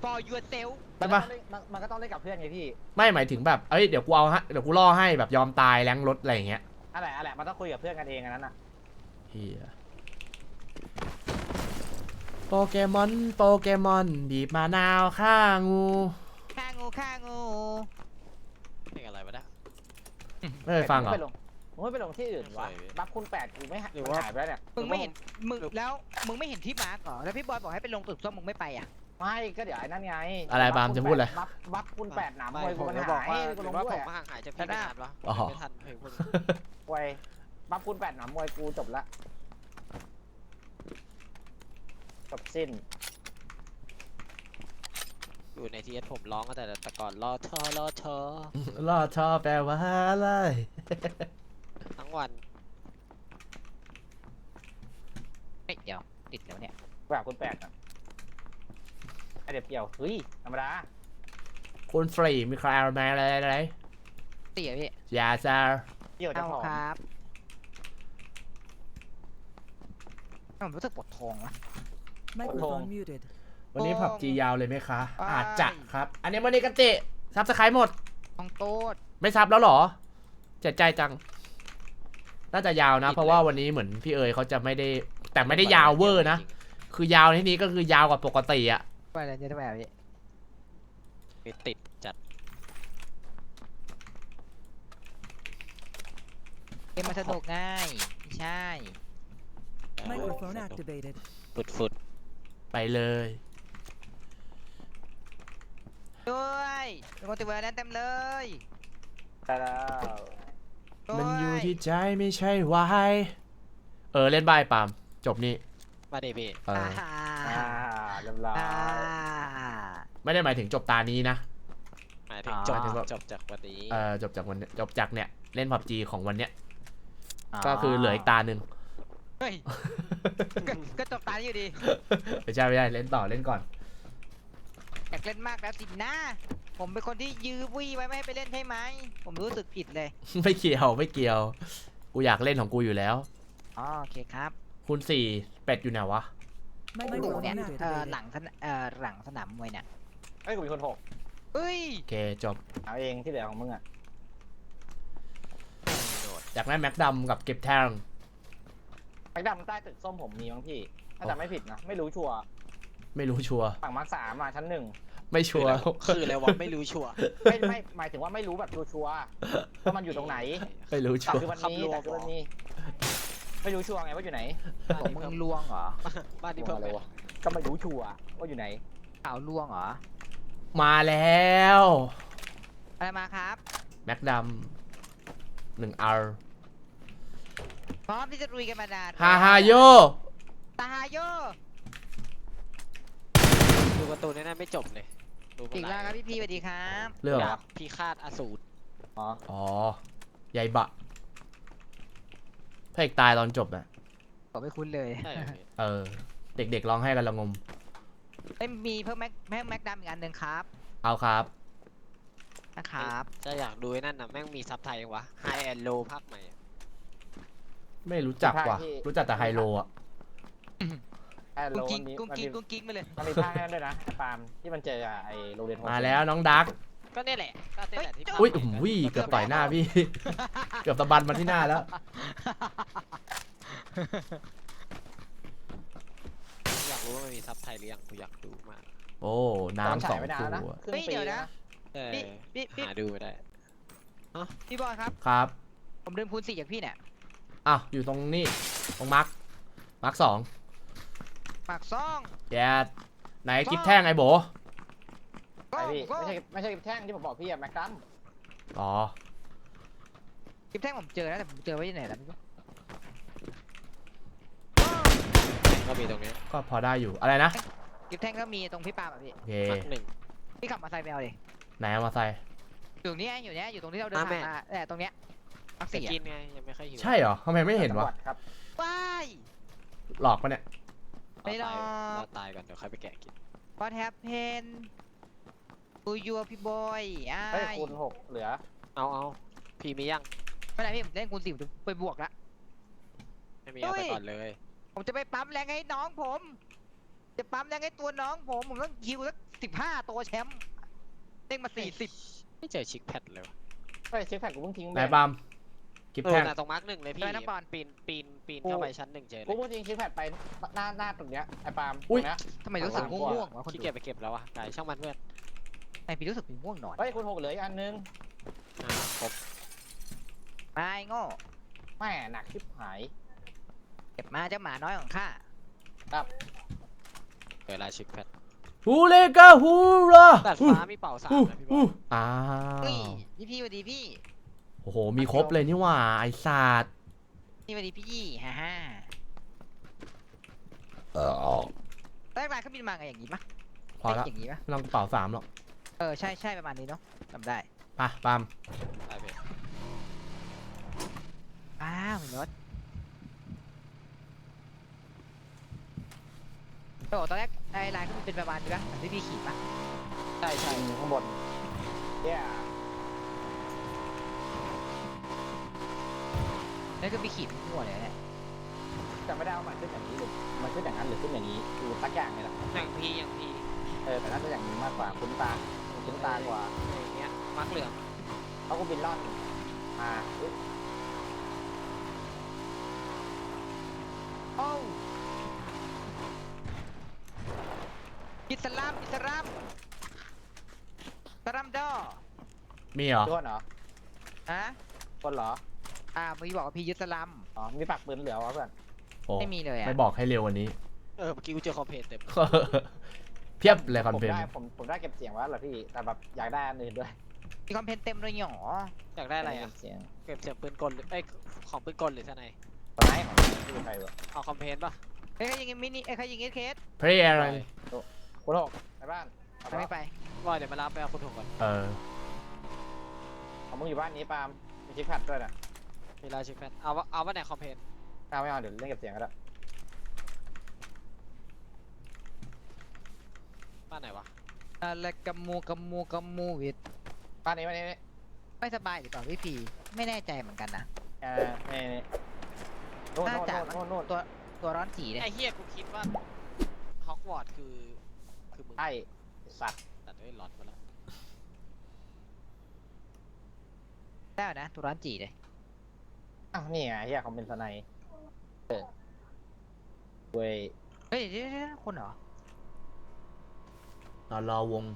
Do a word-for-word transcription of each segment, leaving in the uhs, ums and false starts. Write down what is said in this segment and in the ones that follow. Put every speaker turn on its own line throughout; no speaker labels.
for yourself
ใช่ปะ
มันก็ต้องเล่นกับเพื่อนไงพี่
ไม่หมายถึงแบบเอ้ยเดี๋ยวกูเอาฮะเดี๋ยวกูล่อให้แบบยอมตายแรงรถอะไรอย่างเงี้ย
อะไรอะไรมันต้องคุยกับเพื่อนกันเองอันนั้นอ่ะ
เฮียโปเกมอนโปเกมอนบีบมะนาวฆ่างู
ฆ่างูฆ่างู
เพลงอะไรวะเนี่ย
ไม่เคยฟังเหรอ
มึงไม่ไปลงที่อื่นวะบัฟคุณแปดกูไม่หรือว่าหายไปแล้วเนี่ย
มึงไม่เห็นมึงแล้วมึงไม่เห็นที่มาร์กเหรอแล้วพี่บอยบอกให้ไปลงตึกส้มมึงไม่ไปอ่ะ
ไม่ก็เดี๋ยวไอ้นั่นไง
อะไรบามจะพูดอะไร
บัฟบัฟคุณแปดหนามวยกูมันหายกูลงด้วย
ผมห่างหายจากพี่ไม่นานวะไม่ทันเพลงพวกนี้
ไว้บัฟคุณแปดหนามวยกูจบละจบสิ้น
อยู่ในทีเอสผมร้องตั้งแต่แต่ก่อนรอเธอรอเธอ
รอชอแปลว่าอะไร
ทั้งวัน
เฮ้ยเดี๋ยวติดเดี๋ยวเนี่ย
แบบคุณแปดอ่ะไอเด็กเกี่ยวเฮ้ยธรรมดา
คุณฟรีมีใครเอามาอะไรอะไร
เตี๋ยพี่
ยาซา
เกี่ยวจะพอ
ครับผมรู้สึกปวดท้องวะ
วันนี้ผับจียาวเลยไหมคะอาจจะครับอันนี้วันนี้กันเตะซับสไครต์หมด
ต้องโต๊ด
ไม่ซับแล้วหรอเจ็บใจจังน่าจะยาวนะเพราะว่าวันนี้เหมือนพี่เอ๋ยเขาจะไม่ได้แต่ไม่ได้ยาวเวอร์นะคือยาวที่นี้ก็คือยาวกว่าปกติอะ
ไปเลยจะได้แบบนี้
ไม่ติดจัด
เกมมันสนุกง่ายไม่ใช่
Microphone activated
ฟุดฟุด
ไปเลย
ด้วยเป็นคนติดเวอร์นั้นเต็มเลย
แต่แล้ว
มันอยู่ที่ใจไม่ใช่วายเออเล่นใบปามจบนี่
มาดิพี่
เออ
อ่าเรียบร้อย
ไม่ได้หมายถึงจบตานี้นะ
หมายถึงจบจบจากวันนี้
เออจบจากวันจบจากเนี่ยเล่นพับจีของวันเนี้ยก็คือเหลืออีกตาหนึ่ง
เฮ้ยก็จบตาอยู่ดี
ไม่ใช่ไม่ใช่เล่นต่อเล่นก่อน
อยากเล่นมากแล้วสินะผมเป็นคนที่ยื้อวี่ไว้ไม่ให้ไปเล่นใช่ไหมผมรู้สึกผิดเลย
ไม่เกี่ยวไม่เกี่ยวกูอยากเล่นของกูอยู่แล้ว
อ๋อโอเคครับ
คุณสี่เป็ดอยู่ไหนวะ
กูเนี่ยเออหลังเออหลังสนามมวยเนี่ย
ไอ้กูมีคนหก
เฮ้ย
โอเคจบ
เอาเองที่เหลือของมึงอ่ะ
อยากได้แม็กดำกับเก็บแทง
แม็กดำใต้ตึกส้มผมมีมั้งพี่ถ้าจำไม่ผิดนะไม่รู้ชัวร์
ไม่รู้ชัวร์
ฝั่งมาร์คสามมาชั้นหนึ่ง
ไม่ชัวร์
คืออะไรวะไม่รู้ชัวร์
ไม่ไม่หมายถึงว่าไม่รู้แบบชัวร์ว่ามันอยู่ตรงไหน
ไม่รู้ชัวร์
คือวันนี้แต่คือวันนี้ไม่รู้ชัวร์ไงว่าอยู่ไหน
ผมมึงลวงเหรอ
บ้านที่เพิ่มเลยวะ
ก็ไม่รู้ชัวร์ว่าอยู่ไหน
ข่าวลวงเหรอ
มาแล้ว
อะไรมาครับ
แม็กดำหนึ่งอาร์
พร้อมที่จะลุยกันมานาน
ฮาฮาโย
ตาฮาโย
ดูการ์ตูนนี่ไม่จบเลย
อีกแล้วครับพี่พีสวัสดีครับ
เรื่อง
พี่คาดอสูร
อ๋อ
อ๋อใหญ่บะพระเอกตายตอนจบน่ะ
ผมไม่คุ้นเลย
เออเด็กๆร้องให้กันละงม
ไม่มีเพิ่มแม็กแม็กแม็กดำอีกอันหนึ่งครับ
เอาครับ
นะครับ
จะอยากดูนั่นนะแม่งมีซับไทยยังวะไฮแอนด์โลภาคใหม่
ไม่รู้จักว่ะรู้จักแต่ไฮโลอ่ะ
กุ้งกิ้งกุ้งกิ้งกุ้งกิ้งมาเลย
มันมีภาคนั้นด้วยนะไอ้ปาล์มที่มันเจอไอ้โรงเรียน
มาแล้วน้องดัก
ก็นี่แหละก็นี่แหละที่
อุ้ยอุ้ยเกือบต่อยหน้าพี่เกือบตะบันมาที่หน้าแล้ว
อยากรู้ว่ามันมีซับไทยหรือยังกูอยากดูมาก
โอ้น้ำสอง
คู่เฮ้ยเดี๋ยวนะ
หาดูไม่ได้
พี่บอลครับ
ครับ
ผมลืมคูณสี่จากพี่เนี่ย
อ้าวอยู่ตรงนี้ตรงมาร์คมาร์คสอง
ปากซ่อง
แกไหนกิฟแท่งไอ้โบ
ไอพี่ไม่ใช่ไม่ใช่กิฟแท่งที่ผมบอกพี่อะแม็กดัม
อ๋อ
กิฟแท่งผมเจอแล้วแต่ผมเจอไว้ที่ไหนแล้วไม่รู้
ก็มีตรงนี้
ก็พอได้อยู่อะไรนะ
กิฟแท่งก็มีตรงพี่ปาแบบพี่
โอเค
หนึ่ง
พี่ขับมาใส่แมวดิ
ไหนมาใส่
อยู่นี่อยู่นี่อยู่ตรงที่เราเดินผ่านมาแต่ตรงเนี้ย
มักสี่กินไงยังไม่ค่อยหิว
ใช่เหรอทำไมไม่เห็นวะ
ว้าย
หลอกปะเนี่ย
ไม่หรอก
เราตายก่อนเดี๋ยวค่อยไปแกะกิน
What happened to you พี่บอย
ไอ้คูณหกเหลือ
เอาเอาพี่มียัง
ไม่ได้พี่เล่นคูณสี่ไปบวกละ
ไม่มีเอาไปก่อนเลย
ผมจะไปปั๊มแรงให้น้องผมจะปั๊มยังไงตัวน้องผมผมต้องคิวสักสิบห้าตัวแชมป์เด้งมาสี่สิบ
ไม่เจอชิคแพดเลยวะ
เฮ้ยเช็คแพ็กกูเพิ่งทิ้ง
ไห
ไป
นบามกิฟ
เออ
แท่ง
น่ะตรงมาร์กหนึ่งเลยพี่ปีนปีนปีนเข้าไปชั้นหนึ่งเจอเล
กู
ย
พูดจริงเช็คแพ็กไปหน้าหน้าตรงเนี้ยไอ้ปาล์ม
อุ๊ย
ตรงเนี้ย
ทำไมรู้สึกง่วงๆวะคน
ขี้
ดู
เกียจไปเก็บแล้ววะไก่ช่างมันเพื่อน
ไอพี่รู้สึกมีง่วงนอน
เฮ้ยคุณหกเหลืออีกอันนึง
อ่าครบ
ไม่โง่
แม่หนักชิบหาย
เก็บมาเจ้าหมาน้อยของข้า
เวลาชิคแพด
ฮูเลกาฮูรา
ดาดฟ้ามีเป่าสาม
ฮู
นะพี่บ
ฮู
อล
อ้า
เฮ้ยว พี่พี่สวัสดีพี่
โอ้โหมีครบเลยนี่หว่าไอ้สัตว์
พี่สวัสดีพี่ฮ่าฮ่า
เออ
แรกๆเขาบินมาไงอย่างนี้ปะ
พอละ
เป็นอย่างนี้ปะ
ไม่ต้องกระเป๋าสามหรอก
เออใช่ใช่ประมาณนี้เนาะจำได้
ไปบาม
ได้พี่
อ้าวรถโอ้ตอนแรกไอ้ลายก็เป็นประมาณนี้ปะเหมือนที่พี่ขี่ปะ
ใช่ใช่
ข้างบนเย้
นั่นก็พี่ขี่เป็นหัวเลยเนี่ย
จะไม่ได้เอามันขึ้นอย่างนี้หรือมันขึ้นอย่างนั้นหรือขึ้นอย่างนี้ดูสักอย่างเลยล่ะ
อย่างพี่อย่างพี่
เออแต่น่าจะอย่างนี้มากกว่าคุ้นตาคุ้นตากว่า
อย่างเงี้ยมาร์กเหลือง
เขาก็บินล่อนมาอุ๊ย
โอ้วอิสลามอิสลามสลามดอ
มีเหรอ
ด้วนเหรอ
ฮะ
คนเหรอ
อ่าพี่บอกว่าพี่ยึดสลัม
อ๋อมีปากปืนเหลือวะเพื่อน
โอ้
ไม่มีเลยอ่ะ
ไม่บอกให้เร็วกวันนี้
เออเมื่อกี้กูเจอคอมเพลนเต็ม
เพียบเลยคอน
ผม
เฟน
ได้ผมผมได้เก็บเสียงไว้เหรอพี่แต่แบบอยากได้อันอื่นด้วย
มีคอมเพนเต็มเลยหรอ
อยากได้อะไร
เก็
อ่ะ
บเสียง
เก็บเสียงปืนกลหรือไอยของปืนกลหรือทนาย
คนไหนของที่เป็นใครวะ
เอาคอมเพลนป่ะ
เอ้ยใครยิงมินิเอ้ยใครยิงเอสเคส
เพรียอะไร
คุณหกไปบ้านเอา
ไม่ไป
บอยเดี๋ยวมารับไปเอาคุณถุงก่อน
เออ
เอามึงอยู่บ้านนี้ปาล์มมีชิคแพดด้วยนะ
เวลาชิคแพดเอาวะเอาว่าไหนคอมเพลน
เอาไม่เอาเดี๋ยวเล่นเก็บเสียงก็ได้
บ้านไหนวะ
อะไรกัมมูกัมมูกัมมูวิด
บ้านนี้บ้านนี้นี่
ไม่สบายหรือเปล่าพี่พีไม่แน่ใจเหมือนกันนะ
เออนี่นี่โน่น
น่า
โน่น
จะ
โน่นโน่น
ตัวตัวร้อนสีเลย
ไอเฮียกูคิดว่าฮอกวอตส์คือคือมึง
ใช่สัตว์
ตัดด้วยหลอดมาแล้ว
ได้นะตัวร้อนจีเลย
อ้าวนี่ไงเฮียเขาเป็นสไนป์เออเว้ย
เฮ้ยเดี๋ยวเดี๋ยวคนเหรอน
อนรอวง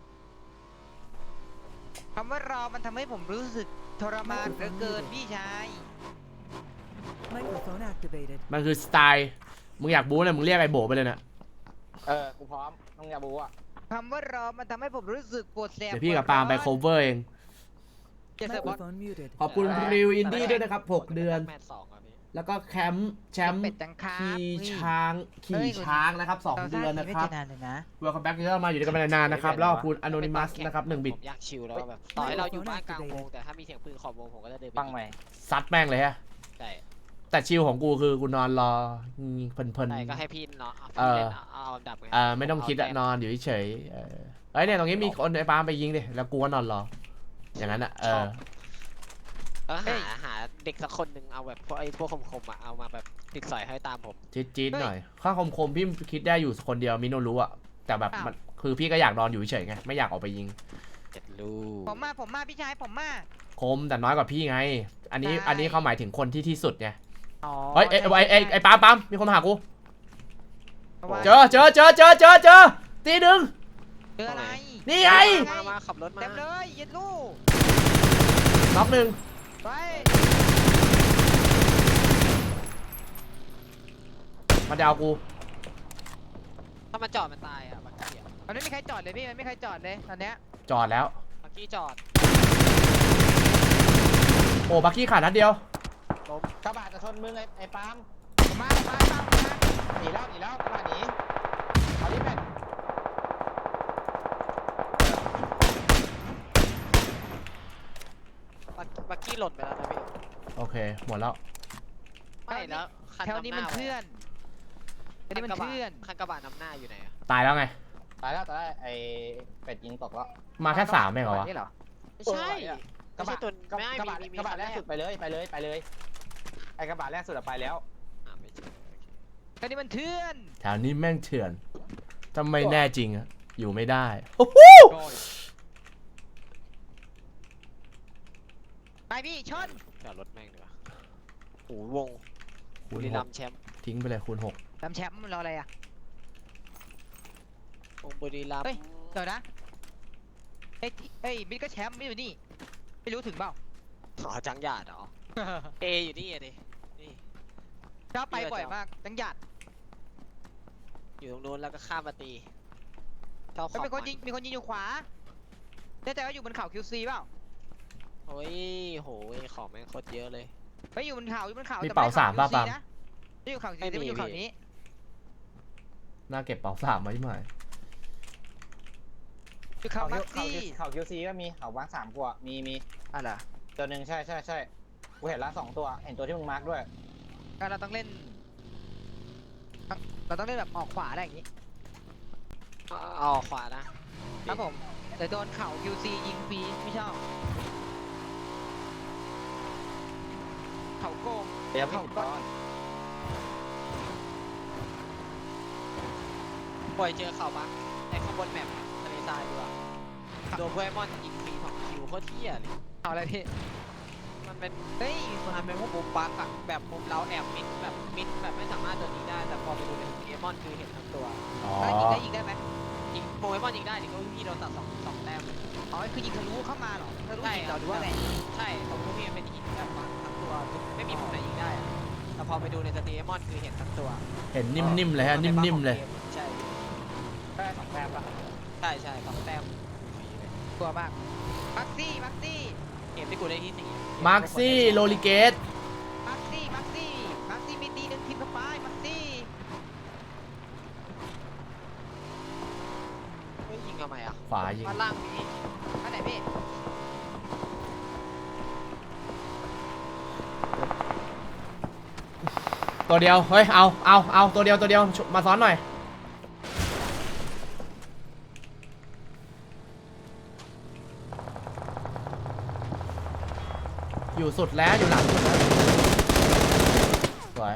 คำว่ารอมันทำให้ผมรู้สึกทรมานเหลือเกินพี่ชาย
Microphone activated.
มันคือสไตล์ มึงอยากบู๊เลยมึงเรียกไอ้โบไปเลยนะ
เออกูพร้อมน้องยาบูอ่ะ
คำว่ารอมันทำให้ผมรู้สึกปวดแสบ
เดี๋ยวพี่กับปาล์มไป cover เอง
จะเสิร์ฟบอล
Microphone muted.
ขอบคุณริวอินดี้ด้วยนะครับหกเดือน
แมตช์สองอ่ะพี่
แล้วก็แคมป์แชมป์
เป็ดจังคา
ขี่
เฮ้ย
ช้างขี่ช้างนะครับสองเดือนนะ
ไม่
ครับ
เจอนานเลยนะ
Welcome back ที่เรามาอยู่ด้วยกันมานานๆนะครับ แล้วขอบคุณ Anonymous นะครับหนึ่งบิต
ผมอยากชิลแล้วแบบต่อให้เราอยู่บ้านกลางวงแต่ถ้ามีเสียงปืนขอบวงผมก็จะเดินไป
ฟังไหม
ซัดแม่งเลยฮะ
ใช่
แต่ชิลของกูคือกูนอนรอเพลิน
ใช่ก็ให้พี่เนาะ
เออ
เอาอันดับไง
ๆเอ่อไม่ต้องคิดอะนอนอยู่เฉยๆเออเอ้ยเนี่ยตรงนี้มีคนไอ้ปาล์มไปยิงดิแล้วกูก็นอนรอ อย่างนั้นอะเออ
แล้วหาหาเด็กสักคนหนึ่งเอาแบบพวกไอ้พวกคมๆอ่ะเอามาแบบติดสอยให้ตามผม
จี๊ดจี๊ดหน่อยข้าคมคมๆพี่คิดได้อยู่คนเดียวมิโนรู้อะแต่แบบมันคือพี่ก็อยากนอนอยู่เฉยๆไงไม่อยากออกไปยิง
เจ็ดลูก
ผมมาผมมาพี่ชายผมมา
คมแต่น้อยกว่าพี่ไง อันนี้
ใช่
อันนี้เขาหมายถึงคนที่ที่สุดไง
อ๋อ
เฮ้ยไอ้ไอ้ไอ้ไอ้ปาล์มปาล์มมีคนมาหากู
เพราะว่า
เจอเจอเจอเจอเจอเจอตีหนึ่ง
เจออะไร
นี่ไง
มามาขับรถมา
เต็มเลยเย็นลูก
น็อกหนึ่ง
ไป
มันจะเอากู
ถ้ามันจอดมันตายอ่ะบักกี้อ่ะ
มันไม่มีใครจอดเลยพี่มันไม่มีใครจอดเลยตอนเนี้ย
จอดแล้ว
บักกี้จอด
โอ้บักกี้ขาดนัดเดียว
กระบะจะชนมึงไอ้ไอ้ปาล์ม
ผมมาผมมาผมมาผมมา
หนีแล้วหนีแล้วกระบะหนีเอาดิแม่
บักบักกี้หล่นไปแล้วนะพี่
โอเคหมดแล้ว
ไม่แล้วคัน
แถวนี้มันเพื่อนแถวนี้มันเพื่อน
คันกระบะนำหน้าอยู่ไหนอ่ะ
ตายแล้วไง
ตายแล้วตายแล้วไอ้เป็ดยิงตกแล้ว
มาแค่สามเองเหรอวะ
นี่เหรอ
ไม่ใช่
กระบะ
ไม่ใช่ตัว
กระ
ไม่
กระบะ
มีมี
กระบะ
คัน
แรกสุดไปเลยไปเลยไปเลยไอ้กระบะแรกสุดอะไปแล้ว
อ่ะไม่ใช่โอเค
ก็นี่มันเถื่อน
แถวนี้แม่งเถื่อนทำไมแน่จริงอะอยู่ไม่ได้โอ้โห
ไปพี่ชน
จอดรถแม่งดีกว่าโอ้วง
คู
บุ
ณ
รี
ห
รั
ก
มย์แชมป์
ทิ้งไปเลยคูณหก
ทำแชมป์มันรออะไรอ่ะ
วงบุรีรัมย์
เฮ้ย เดี๋ยวนะเฮ้ยเฮ้ยมิดก็แชมป์ไม่อยู่นี่ ไม่รู้ถึงเปล่า
อ๋อจังหยาดเหรอ เออยู่นี่อะดินี่
ชอบไปบ่อยมากจังหยัด
อยู่ตรงนู้นแล้วก็ข้ามมาตีชอบข
ไม่
อบ
เป็นคน
มัน
ยิงมีคนยิงอยู่ขวาแน่ใจว่าอยู่บนเขา คิว ซี เปล่า
โอ้ยโหยของแม่งโคตรเยอะเลย
ไปอยู่บนเขาอยู่บนเขา
มี
แต่
เป๋า
ไใช่
สามป่ะ
คิว
ปาล์ม
นะไม่อยู่เขา
ไม่
ซี
มี
ไม่อยู่เขา
พี่
นี้
น่าเก็บเป๋าสามไว้ไหม
อยู่เขา
เขา
มัก
เขา
ซี่
เขาคิวซีก็มีเขาบ้างสามกว่ามีมี
อะไร
ตัวหนึ่งใช่ใช่ใช่กูเห็นละสองตัวเห็นตัวที่มึงมาร์กด้วย
ก็เราต้องเล่น เราต้องเล่นแบบออกขวาได้อย่างนี้
เอาเอาขวานะ
ครับผมแต่โดนเข่า คิว ซี ยิงฟรีไม่ชอบ เขาโกง
เดี๋ยวพี่ก่อน
ปล่อยเจอเขาปะในข้างบนแมปทะเลทรายดีกว่าโดนโปเกมอนยิงฟรีสองคิวโคตรเที่ยเลย
เขาอะไรพี่
มันเป็น
เฮ้ย
มันเป็นพวกมุมบักอะแบบมุมเราแอบมิดแบบมิดแบบไม่สามารถโดนยิงได้แต่พอไปดูในโปเกมอนคือเห็นทั้งตัว
อ๋อ
แล้วยิงได้ยิงได้ไหม
ยิงโปเกมอนยิงได้ดิก็พี่โดนตัดสองสองแต้ม
อ๋อคือยิงทะลุเข้ามาเหรอทะลุ
ใช่
ยิงเราหรือว่าไง
ใช่ของพวกพี่มันเป็นหินแบบบักทั้งตัวไม่มีมุมไหนยิงได้อะแต่พอไปดูในสตรีมอนคือเห็นทั้งตัว
เห็นนิ่มๆเลยฮะนิ่มๆเลย
ใช่
ได้สองแต้มละ
ใช่ใช่สองแต้ม
กลัวมากมักซี่มักซี่
เกมที่กูได้ที่สี่
มาร์คซี่โลลิเกต
มักซี่มักซี่มักซี่มีตีหนึ่งทีมเข้าไปมักซี่
เฮ้ยยิงทำไมอ่ะ
ขวายิง
ด้านล่างนี้
อันไหนพี่
ตัวเดียวเฮ้ยเอาเอาเอาตัวเดียวตัวเดียวมาซ้อนหน่อยอยู่สุดแล้วอยู่หลังสุดแล้วสวย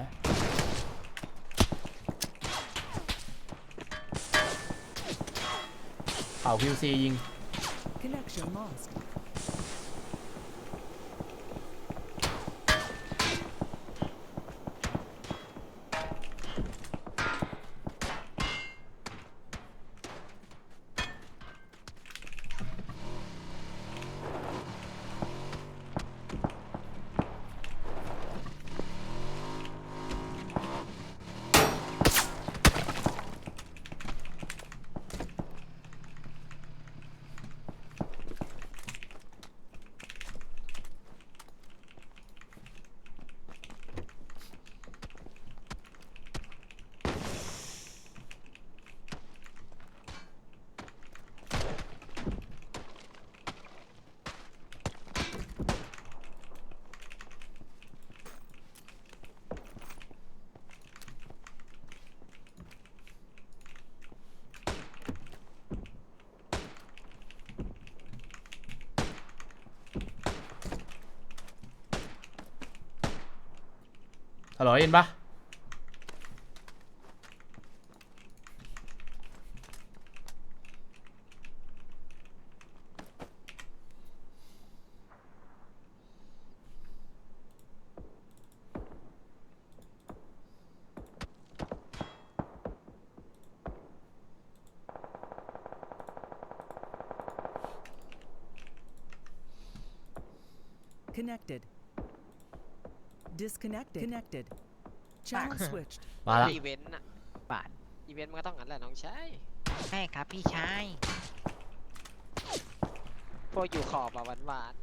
เป่า คิว ซี ยิง
Connection lost.
ฮัลโหลยินปะ
Connected. Disconnected. Connected. Channel switched.
มาละ
อีเวนต์อะ
บาท
อีเวนต์มันก็ต้องงั้นแหละน้องชาย
ใช่ครับพี่ชาย
พวกอยู่ขอบอะหวานหวาน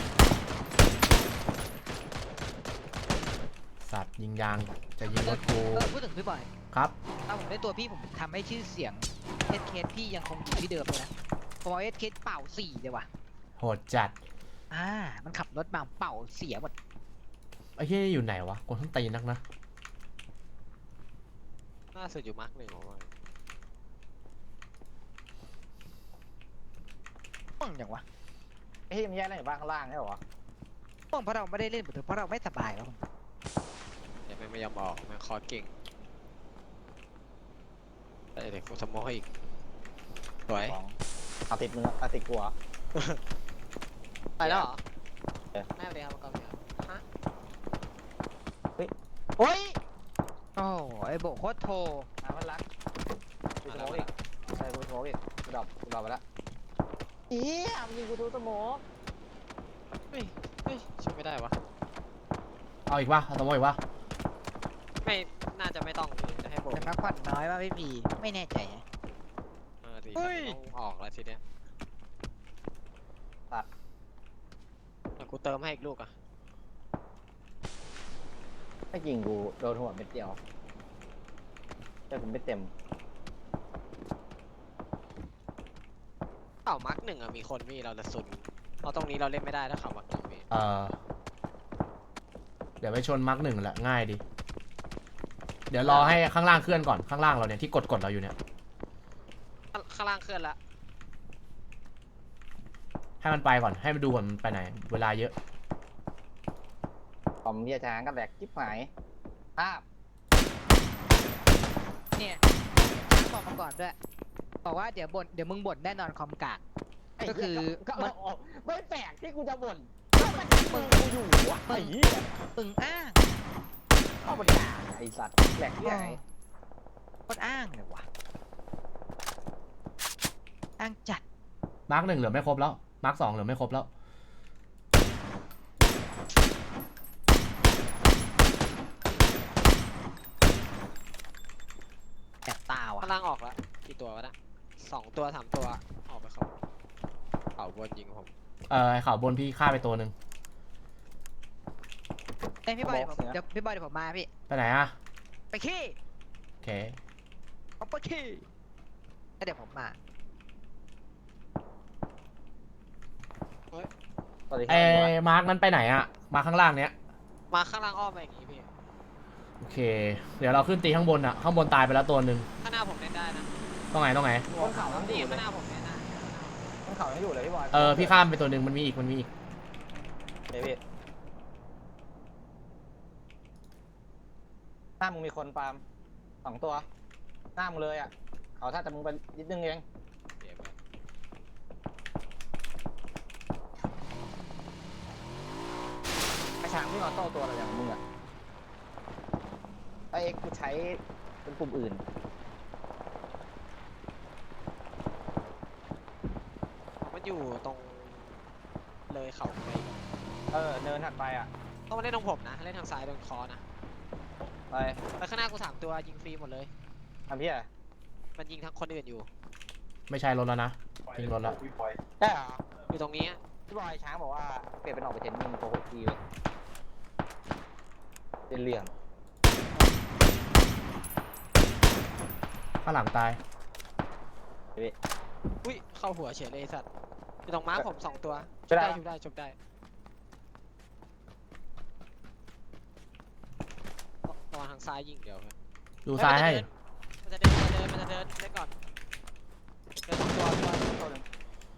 สัตว์ยิงยางจะยิงรถกู
เออพูดถึงพี่บอย
ครับ
ถ้าผมได้ตัวพี่ผมทำให้ชื่อเสียงเอสเคสพี่ยังคงอยู่ที่เดิมเลยนะผมเอาเอสเคสเป่าสี่เลยว่ะ
โหดจัด
อ่ามันขับรถมาเป่าเสียหมด
ไอ้เหี้ยอยู่ไหนวะกดทั้งตีนนักนะ
ๆล่าสุดอยู่มาร์กหนึ่งของมัน
ม่วงอย่างวะ
ไอ้ที่มันแยกได้อยู่บ้างข้างล่างใช่เหรอวะ
ม่วงเพราะเราไม่ได้เล่นหรือเพราะเราไม่สบายวะ
เดี๋ยวแม่งไม่ยอมออกแม่งคอเก่งเดี๋ยวกูสโมกให้อีกสวย
สองเอาติดมือเอาติดกูเหรอ
ไปแล้วเหรอ
เออ
แม่ไปเลยครับกองเดียวฮะ
โอ้ยโอ้ไอโบโคตรโท
อ่ะมันรักกูสโมกอีกใช่กูสโมกอีกกูดรอปกูดรอปไปแล้วอีอ่ะมันยิงกูทูสโมก
เฮ้ยเฮ้ยช่วยไม่ได้วะ
เอาอีกวะเอาสมมติอีกวะ
ไม่น่าจะไม่ต้องพี่จะให้โบก
แต่พักผ่อนน้อยว่าพี่พีไม่แน่ใจอะ
เออดี
เฮ้ย
ต้องออกแล้วทีเนี้ย
ตัด
เดี๋ยวกูเติมให้อีกลูกอ่ะ
ถ้ายิงกูโดนหัวเม็ดเดียวแต่ผมไม่เต็ม
เข่ามาร์กหนึ่งอะมีคนพี่เราจะซุนเพราะตรงนี้เราเล่นไม่ได้ถ้าเข่ามาร์กหนึ่งพี่
เออเดี๋ยวไปชนมาร์กหนึ่งแหละง่ายดี เดี๋ยวรอให้ข้างล่างเคลื่อนก่อนข้างล่างเราเนี่ยที่กดกดเราอยู่เนี่ย
ข้างข้างล่างเคลื่อนละ
ให้มันไปก่อนให้มันดูก่อนมันไปไหน เวลาเยอะ
ผมเรียช้างก็แหลกจิ๊บหายภาพ
เนี่ยบอกมาก่อนด้วยบอกว่าเดี๋ยวบ่นเดี๋ยวมึงบ่นแน่นอนคอมกาก ก็คือ
ก็
มัน
เอาไม่แปลกที่กูจะบ่นก็มันมึงกูอยู่วะไอ้เหี้ย
มึงอ้าง
เข้ามาด่าไอ้สัตว์แหลกที่ไหน
โคตรอ้างเลยวะอ้างจัด
มาร์กหนึ่งเหลือไม่ครบแล้วมาร์กสองเหลือไม่ครบแล้ว
แอบตาว่ะ
ข้างล่างออกละกี่ตัววะนะสองตัวสามตัวออกไปเขาเข่าบนยิงผม
เออไอ้ข่าวบนพี่ฆ่าไปตัวหนึ่ง
เอ้ยพี่บอยเดี๋ยวผมเดี๋ยวพี่บอยเดี๋ยวผมมาพี่
ไปไหนอะ
ไปขี้
โอเค
ผมไปขี้แล้วเดี๋ยวผมมา
สวัสดีค
ไอ้
รับ
มาร์กนั้นไปไหนอะมาข้างล่างเนี้ย
มาข้างล่างอ้อมไปอย่างงี้พี่
โอเค เดี๋ยวเราขึ้นตีข้างบนอะข้างบนตายไปแล้วตัวหนึ่ง
ข้างหน้าผมเล่นได้นะ
ต้องไหนต้องไหน
บนเขาทั้ง
นี่
อยู่เล
ข้าย งหน้าผมเล่นได้
บนเขาทั้งอยู่เลยพี่บอย
เออพี่ข้ามไปตัวหนึ่งมันมีอีกมันมีอีก
เดี๋ยวพี่หน้ามึงมีคนปาล์มสองตัวหน้ามึงเลยอ่ะเขาถ้าจะมึงไปนิดนึงเอง
เดี๋ยวไป
ไอ้ช้างวิ่งออโต้ตัวอะไรอย่างมึงอ่ะไอ้เอ็กซ์กูใช้เป็นปุ่มอื่น
มันอยู่ตรงเลยเข่าไปอีก
เออเนินถัดไปอ่ะ
ต้องมาเล่นตรงผมนะเล่นทางซ้ายโดนคอนะ
ไป
ไปข้างหน้ากูสามตัวยิงฟรีหมดเลย
ทำพี่อ่ะ
มันยิงทั้งคนอื่นอยู่
ไม่ใช่รถแล้วนะทิ้งรถแล้ว
ใช่เหรอ
อยู่ตรงนี้อะ
พี่บอยช้างบอกว่าเปลี่ยนเป็นออกไปเทนนิงโกหกทีเลยเป็นเรื่อง
ข้างหลังตาย
อุ้ยเข้าหัวเฉยเลยไอ้สัตว์อยู่ตรงม้าผมสองตัว
ช่วยได้
ชุบได้ชุบได้ระวังทางซ้ายยิงเดี๋ยวครับ
ดูซ้ายให้
มันจะเดินมันจะเดินมันจะเดินเล่นก่อนเดินสองตัวพี่บอย
ตัวหนึ่ง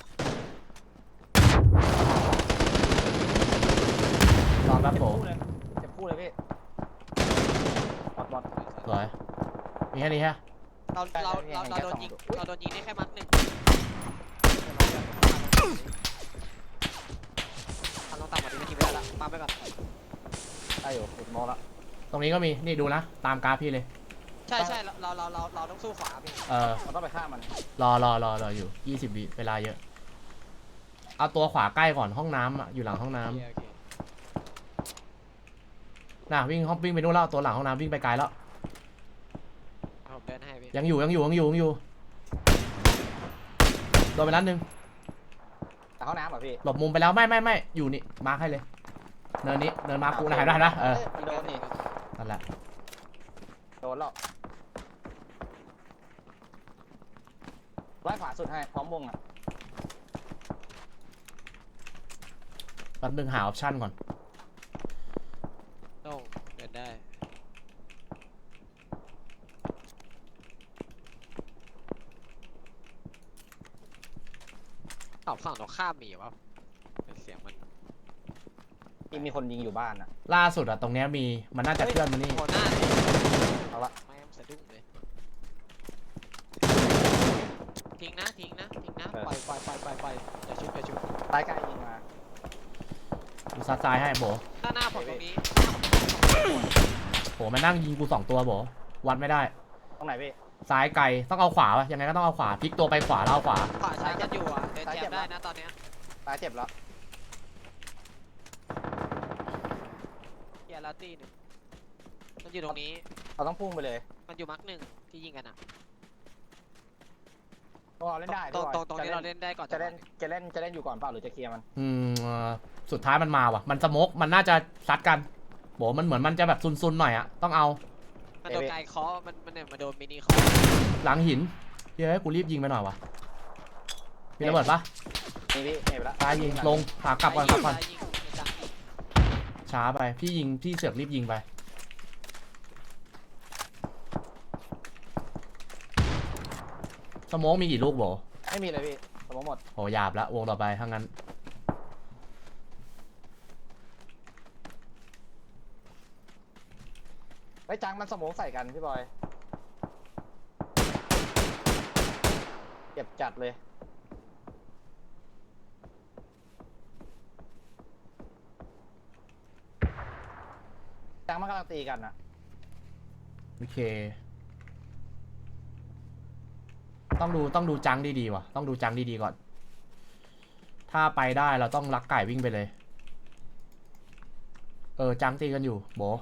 ลองแป๊บ
เจ็บ
โผ
คู่เลยเจ็บคู่เลยพี่บอดบอด
สวยมีแค่นี้ฮะ
เรา
ใช่
เรา
ใช่
เรา
เห็น
เรา
แค่
โดน
สอง
ยิง
ตัว
เราโดนยิงได้แค่มัดหนึ่งทำต้องต่ำกว่านี้ไม่ทีไม่ได้ละปั๊มไปก่อน
ได้อยู่ติดโมแล้ว
ตรงนี้ก็มีนี่ดูนะตามกราฟพี่เลย
ใช่ใช่เราเราเราเราเราต้องสู้ขวาพี่
เออ
เราต้องไปฆ่ามัน
รอรอรอรออยู่ยี่สิบวิเวลาเยอะ เอาตัวขวาใกล้ก่อนห้องน้ำอ่ะอยู่หลังห้องน้ำ
โอเคโอเค
น่ะวิ่งห้องวิ่งไปนู่นแล้วตัวหลังห้องน้ำวิ่งไปไกลแล้ว
ผมเดินให้พี่
ยังอยู่ยังอยู่ยังอยู่ยังอยู่โดนไปนัดหนึ่ง
แต่ห้องน้ำเหรอพี่
หลบมุมไปแล้วไม่ไม่ไม่อยู่นี่มาร์คให้เลยเนินนี้เนินมาร์คกูนะเห็นได้นะเออ
มันโดนนี่
นั่นแหละ
โดนหรอกไล่ขวาสุดให้พร้อมวงอ่ะ
แป๊บนึงหาออปชั่นก่อน
โล่งเดินได้ตอบฝั่งตรงข้ามมีวะเป็นเสียงมัน
ที่มีคนยิงอยู่บ้านอ่ะ
ล่าสุดอะตรงเนี้ยมีมันน่าจะเคลื่อนมานี่
โคหน้าเลย
เอาละ
ไม่สะดุ้งเลยทิ้งนะทิ้งนะทิ้งนะปล่อยปล่อยปล่อยปล่อยปล่อยอย่าชุบอย่าชุบ
ซ้ายไกลยิงมา
กูซัดซ้ายให้โบ
หน้าหน้าผมตรงนี้
โหมันนั่งยิงกูสองตัวโบวัดไม่ได้
ตรงไหนพี่
ซ้ายไกลต้องเอาขวาวะยังไงก็ต้องเอาขวาพลิกตัวไปขวาแล้วเอาขวา
ขวาใช้กันอยู่อ่ะเดินแจมได้นะตอนเนี้ย
ซ้ายเจ็บแล้ว
เกียร์ลาตี้หนึ่งมันอยู่ตรงนี้
เราต้องพุ่งไปเลย
มันอยู่มาร์กหนึ่งที่ยิงกันอ่ะ
ต้องเราเล่นได้
ตรง
พี่บอย
ตรงตรงนี้เราเล่นได้ก่อน
จะเล่นจะเล่นจะเล่นอยู่ก่อนเปล่าหรือจะเคลียร์มัน
อืมเอ่อสุดท้ายมันมาว่ะมันสโมกมันน่าจะซัดกันโบมันเหมือนมันจะแบบซุนๆหน่อยอะต้องเอา
มันโดนไกลเคาะมันมันเนี่ยมาโดนมินิเคาะ
หลังหินเฮ้ยกูรีบยิงไปหน่อยวะมีระเบิดปะ
นี่พี่เห็นไปแล้ว
ตายยิงลงขากลับก่อนกลับก่อน
ซ้ายยิงจังอีก
ช้าไปพี่ยิงพี่เสือกรีบยิงไปสโมกมีกี่ลูกโบ
ไม่มีเลยพี่สมมติหมด
โหหยาบละวงต่อไปถ้างั้น
ไอ้ยจังมันสมองใส่กันพี่บอยเก็บจัดเลยจังมันกำลังตีกันอะ
โอเค ต้องดูต้องดูจังดีๆว่ะต้องดูจังดีๆก่อน ถ้าไปได้เราต้องลักไก่วิ่งไปเลย เออจังตีกันอยู่โบ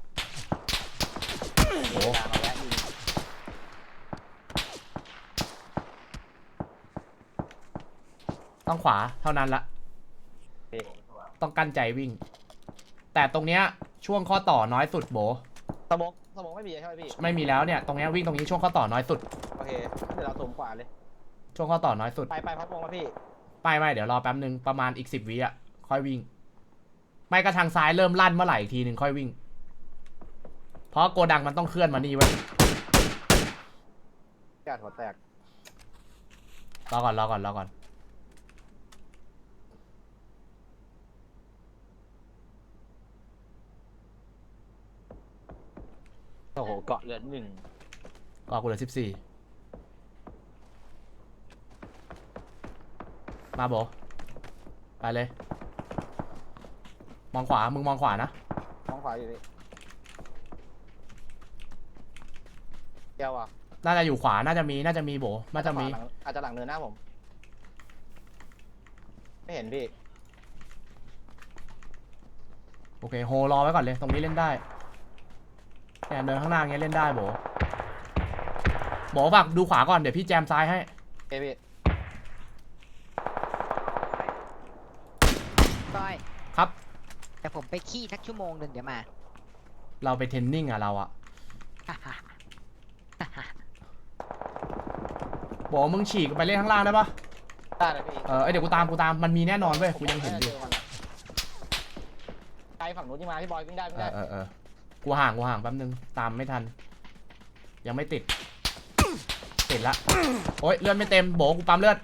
โบ
จังเอาแวะยิง
ต้องขวาเท่านั้นละ
พี่
ต้องกั้นใจวิ่ง แต่ตรงเนี้ยช่วงข้อต่อน้อยสุดโบ
สมองสมองไม่มีใช่ไหมพี่
ไม่มีแล้วเนี่ยตรงเนี้ยวิ่งตรงนี้ช่วงข้อต่อน้อยสุด
โอเคเดี๋ยวเราถมขวาเลย
ช่วงข้อต่อน้อยสุด
ไปไปพัดวงมาพี่
ไม่ไม่เดี๋ยวรอแป๊บนึงประมาณอีกสิบวิอ่ะค่อยวิ่ง ไม่ก็ทางซ้ายเริ่มลั่นเมื่อไหร่อีกทีหนึ่งค่อยวิ่ง เพราะโกดังมันต้องเคลื่อนมานี่ไว้ย
กาดหัวแตก
รอก่อนรอก่อนรอก่อน
โอ้โหเกาะเหลือหนึ่ง
ก็กูเหลือสิบสี่มาโบไปเลย มองขวามึงมองขวานะ
มองขวาอยู่พี่เกี่ยวอ่ะ
น่าจะอยู่ขวาน่าจะมีน่าจะมีโบน่าจะมี
ขวหลังอาจจะหลังเนินหน้าผม ไม่เห็นพี่
โอเคโฮรอไว้ก่อนเลยตรงนี้เล่นได้เนี่ยเดินข้างหน้าเงี้ยเล่นได้โบโบฝากดูขวาก่อนเดี๋ยวพี่แจมซ้ายให้
เอยพี่
ก้อย
ครับ
แต่ผมไปขี้สักชั่วโมงหนึ่งเดี๋ยวมา
เราไปเทรนนิ่งอะเราอะโบมึงฉีกไปเล่นข้างล่างได้ปะ
ได้เลยพี่
เออเอ้ยเดี๋ยวกูตามกูตามมันมีแน่นอนเว้ยกูยังเห็นอยู่
ไกลฝั่งนู้นที่มาพี่บอยวิ่งได้วิ่ง
เอ
ได้
อเออเออกูห่างกูห่างแป๊บนึงตามไม่ทัน ยังไม่ติด ติดละโอ๊ยเลือดไม่เต็มโบกูปั๊มเลือด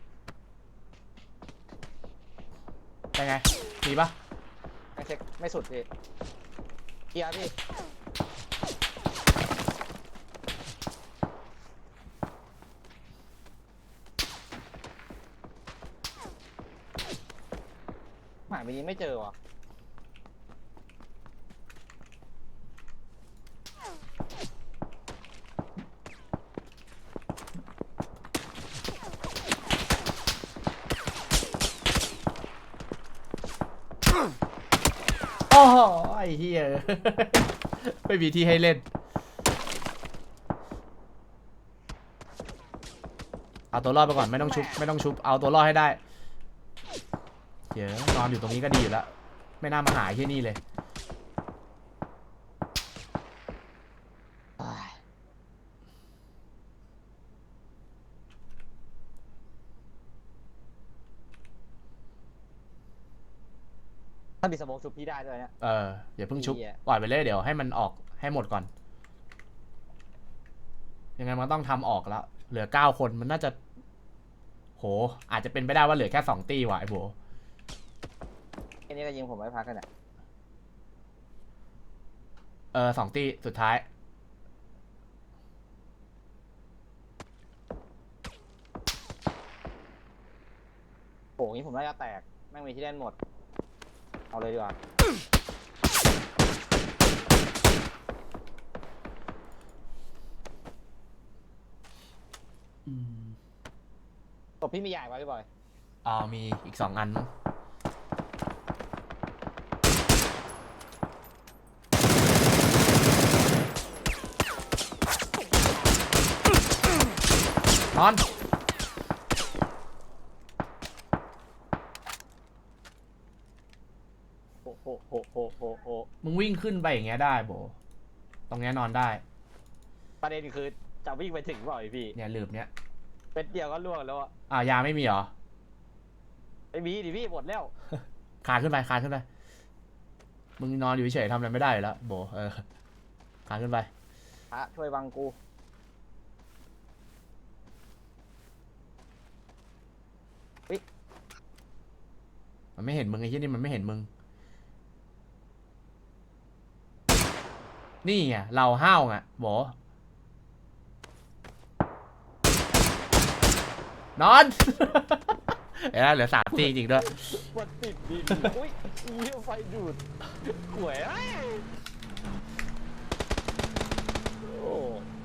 เป็นไงมีปะ
ยังเช็คไม่สุดพี่เคลียร์พี่หาไปนี้ไม่เจอว่ะ
โอ้โหไอ้เหี้ย ไม่มีที่ให้เล่นเอาตัวรอดไปก่อนไม่ต้องชุบไม่ต้องชุบเอาตัวรอดให้ได้เดี๋ยวนอนอยู่ตรงนี้ก็ดีอยู่แล้วไม่น่ามาหาที่นี่เลย
ถ้ามีสโมองชุบพี่ได้ด้วยเนี่ย
เอออย่าเพิ่งชุบ
เหี้ย
ปล่อยไปเลยเดี๋ยวให้มันออกให้หมดก่อน ยังไงมันต้องทำออกแล้ว เหลือเก้าคนมันน่าจะ โห อาจจะเป็นไปได้ว่าเหลือแค่สองตีว่ะไอ้โบ
แค่นี้ก็ยิงผมไม่พักกันเนี่ย
เออสองตีสุดท้าย
โอ้ยผมน่าจะแตกแม่งมีที่เล่นหมดเอาเลยดีกว่า
อืม
ตบพี่มีใหญ่ป่ะพี่บอย
อ่ามีอีกสองอันมั้งนอน
โอ้โหโหโหโหโห
มึงวิ่งขึ้นไปอย่างเงี้ยได้โบตรงเนี้ยนอนได้
ประเด็นคือจะวิ่งไปถึงเปล่าไอพี่
เนี่ยหลืบเนี้ย
เป็นเดียวก็ล่วงแล้วอะ
อ่ายาไม่มีเหรอ
ไม่มีดิพี่หมดแล้ว
คานขึ้นไปคานขึ้นไป มึงนอนอยู่เฉยๆทำอะไรไม่ได้อยู่แล้วโบเออคานขึ้นไป
พระช่วยบังกู
มันไม่เห็นมึงไอ้ที่นี่มันไม่เห็นมึง นี่ไงเราห้าวไงโบนอน เอ้ยเหลือสามตีจริงๆด้วย
มันติดดินอุ้ยเยี่ยไฟดูดหวยไอ้โอ้